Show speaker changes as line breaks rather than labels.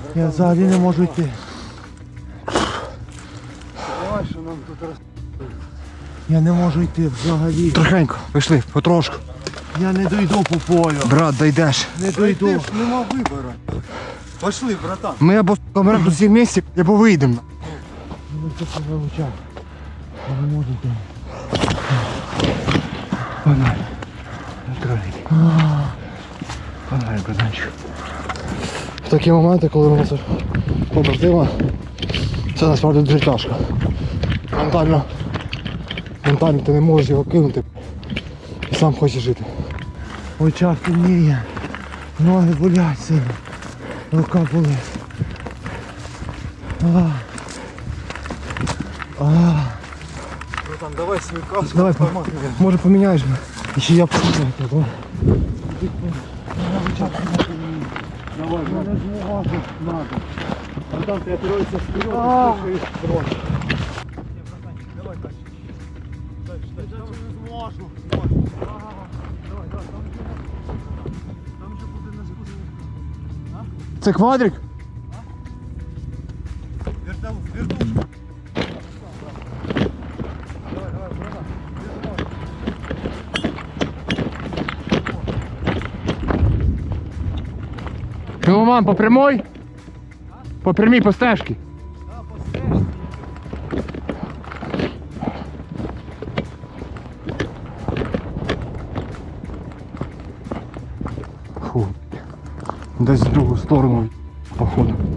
Я взагалі не можу йти.
Давай, що нам тут роз...
Я не можу йти взагалі.
Трохенько, пішли, потрошку.
Я не дойду по полю.
Брат, дійдеш.
Не
Ти
дойду.
ж нема вибору. Пошли, братан.
Ми або помремо тут всі вместе, або вийдемо.
Ну це по очах. Я не можу йти.
Погнали. Погнали, братанчик. В такі моменти, коли у нас побратима, це насправді дуже тяжко. Ментально ти не можеш його кинути і сам хочеш жити.
В очах темніє. Ноги болять сильно. Рука болить.
Братан, давай свою каску.
Давай, може поміняєш мене? І ще я посмотрю.
Давай, я не зможу. Надо. Братан, ти опираєшся вперед, і слухаєш трошки. Давай, Кась. Я не зможу. Там же буде на спуску.
Це квадрик?
Вертушка.
Ну, мам, по прямой? По прямій, по стежці. Фу. Десь в другу сторону, походу.